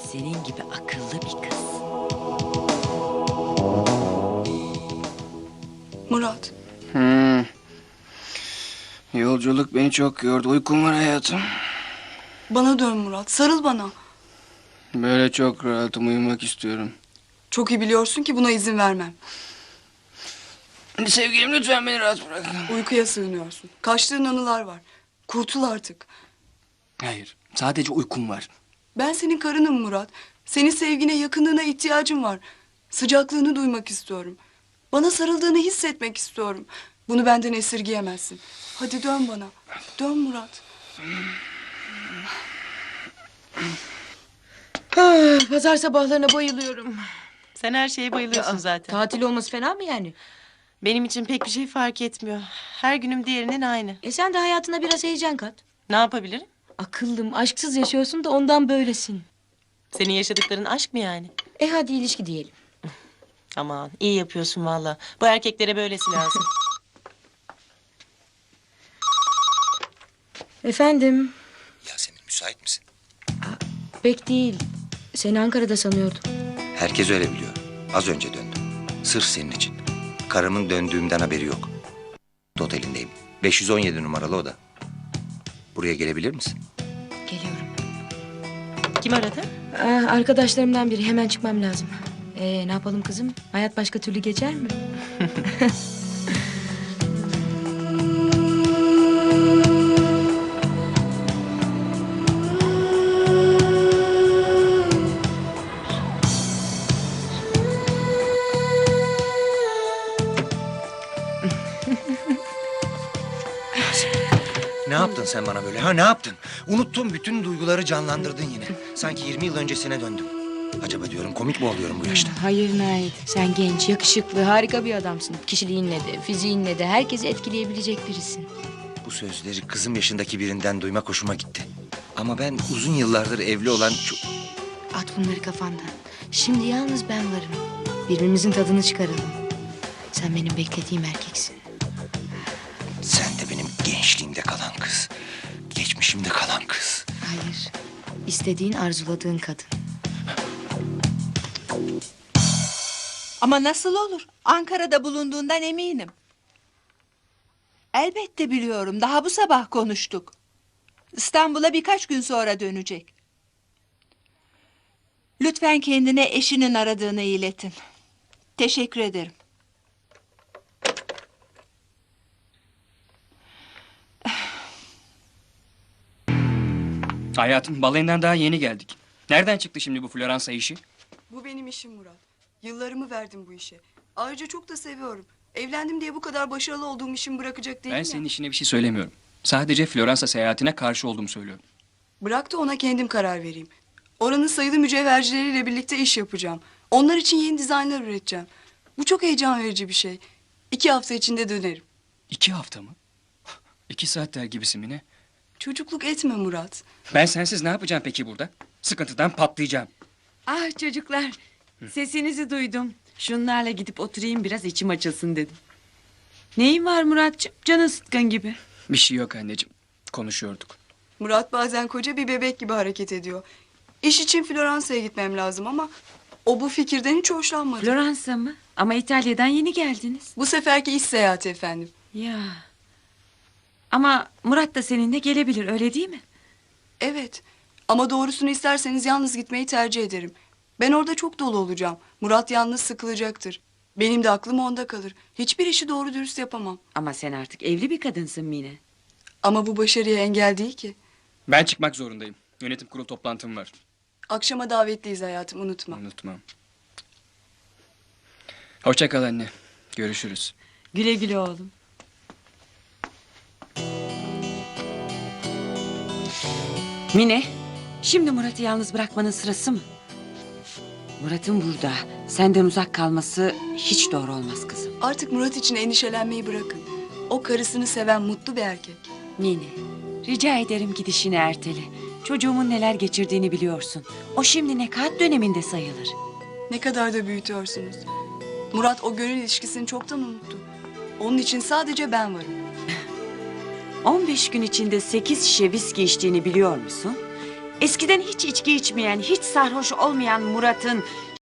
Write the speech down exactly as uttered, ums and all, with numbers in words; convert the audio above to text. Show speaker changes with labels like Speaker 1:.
Speaker 1: senin gibi akıllı bir kız.
Speaker 2: Murat,
Speaker 3: Hmm. Yolculuk beni çok yordu. Uykum var hayatım.
Speaker 2: bana dön Murat, sarıl bana.
Speaker 3: Böyle çok rahatım. Uyumak istiyorum.
Speaker 2: Çok iyi biliyorsun ki buna izin vermem.
Speaker 3: Sevgilim lütfen beni rahat bırakın.
Speaker 2: Uykuya sığınıyorsun. Kaçtığın anılar var. Kurtul artık.
Speaker 3: Hayır. Sadece uykum var.
Speaker 2: Ben senin karınım Murat. Senin sevgine, yakınlığına ihtiyacım var. Sıcaklığını duymak istiyorum. Bana sarıldığını hissetmek istiyorum. Bunu benden esirgeyemezsin. Hadi dön bana. Dön Murat.
Speaker 4: Ah, pazar sabahlarına bayılıyorum.
Speaker 1: Sen her şeye bayılıyorsun zaten.
Speaker 4: Tatil olması fena mı yani?
Speaker 1: Benim için pek bir şey fark etmiyor. Her günüm diğerinin aynı.
Speaker 4: E sen de hayatına biraz heyecan kat.
Speaker 1: Ne yapabilirim?
Speaker 4: Akıllım, aşksız yaşıyorsun da ondan böylesin.
Speaker 1: Senin yaşadıkların aşk mı yani?
Speaker 4: E hadi ilişki diyelim.
Speaker 1: Aman iyi yapıyorsun valla. Bu erkeklere böylesi lazım.
Speaker 4: Efendim,
Speaker 5: Yasemin müsait misin?
Speaker 4: pek değil. Seni Ankara'da sanıyordum.
Speaker 5: Herkes öyle biliyor. Az önce döndüm. Sırf senin için. Karımın döndüğümden haberi yok. Otelindeyim. beş yüz on yedi numaralı oda. Buraya gelebilir misin?
Speaker 4: Geliyorum.
Speaker 1: Kim aradı?
Speaker 4: Ah, arkadaşlarımdan biri, hemen çıkmam lazım. E ne yapalım kızım? Hayat başka türlü geçer mi?
Speaker 5: Ne yaptın sen bana böyle? Ha ne yaptın? Unuttun, bütün duyguları canlandırdın yine. Sanki yirmi yıl öncesine döndüm. Acaba diyorum komik mi oluyorum bu yaşta?
Speaker 4: Hayır Nait, sen genç, yakışıklı, harika bir adamsın. Kişiliğinle de, fiziğinle de herkesi etkileyebilecek birisin.
Speaker 5: Bu sözleri kızım yaşındaki birinden duymak hoşuma gitti. Ama ben uzun yıllardır evli olan... çok-
Speaker 4: At bunları kafandan. Şimdi yalnız ben varım. Birbirimizin tadını çıkaralım. Sen benim beklediğim erkeksin.
Speaker 5: Sen de benim gençliğimde kalan kız. Geçmişimde kalan kız.
Speaker 4: Hayır. İstediğin, arzuladığın kadın.
Speaker 6: Ama nasıl olur? Ankara'da bulunduğundan eminim. Elbette biliyorum. Daha bu sabah konuştuk. İstanbul'a birkaç gün sonra dönecek. Lütfen kendine eşinin aradığını iletin. Teşekkür ederim.
Speaker 3: Hayatım, balayından daha yeni geldik. Nereden çıktı şimdi bu Floransa işi?
Speaker 2: Bu benim işim Murat. Yıllarımı verdim bu işe. Ayrıca çok da seviyorum. Evlendim diye bu kadar başarılı olduğum işimi bırakacak değilim
Speaker 3: Ben
Speaker 2: ya.
Speaker 3: senin işine bir şey söylemiyorum. Sadece Floransa seyahatine karşı olduğumu söylüyorum.
Speaker 2: Bırak da ona kendim karar vereyim. Oranın sayılı mücevhercileriyle birlikte iş yapacağım. Onlar için yeni dizaynlar üreteceğim. Bu çok heyecan verici bir şey. İki hafta içinde dönerim.
Speaker 3: İki hafta mı? İki saat der gibisin Mine.
Speaker 2: Çocukluk etme Murat.
Speaker 3: Ben sensiz ne yapacağım peki burada? Sıkıntıdan patlayacağım.
Speaker 7: Ah çocuklar, sesinizi duydum. Şunlarla gidip oturayım biraz, içim açılsın dedim. Neyin var Muratcığım? Canın sıkkın gibi.
Speaker 3: Bir şey yok anneciğim. Konuşuyorduk.
Speaker 2: Murat bazen koca bir bebek gibi hareket ediyor. İş için Floransa'ya gitmem lazım ama o bu fikirden hiç hoşlanmadı.
Speaker 7: Floransa mı? Ama İtalya'dan yeni geldiniz.
Speaker 2: Bu seferki iş seyahati efendim.
Speaker 7: Ya. Ama Murat da seninle gelebilir, öyle değil mi?
Speaker 2: Evet ama doğrusunu isterseniz yalnız gitmeyi tercih ederim. Ben orada çok dolu olacağım. Murat yalnız sıkılacaktır. Benim de aklım onda kalır. Hiçbir işi doğru dürüst yapamam.
Speaker 7: Ama sen artık evli bir kadınsın Mine.
Speaker 2: Ama bu başarıya engel değil ki.
Speaker 3: Ben çıkmak zorundayım. Yönetim kurulu toplantım var.
Speaker 2: Akşama davetliyiz hayatım, unutma.
Speaker 3: Unutmam. Hoşça kal anne. Görüşürüz.
Speaker 7: Güle güle oğlum. Mine, şimdi Murat'ı yalnız bırakmanın sırası mı? Murat'ın burada, senden uzak kalması hiç doğru olmaz kızım.
Speaker 2: Artık Murat için endişelenmeyi bırakın. O karısını seven mutlu bir erkek.
Speaker 7: Mine, rica ederim gidişini ertele. Çocuğumun neler geçirdiğini biliyorsun. O şimdi nekat döneminde sayılır.
Speaker 2: Ne kadar da büyütüyorsunuz. Murat o gönül ilişkisini çoktan unuttu. Onun için sadece ben varım.
Speaker 7: on beş gün içinde sekiz şişe viski içtiğini biliyor musun? Eskiden hiç içki içmeyen, hiç sarhoş olmayan Murat'ın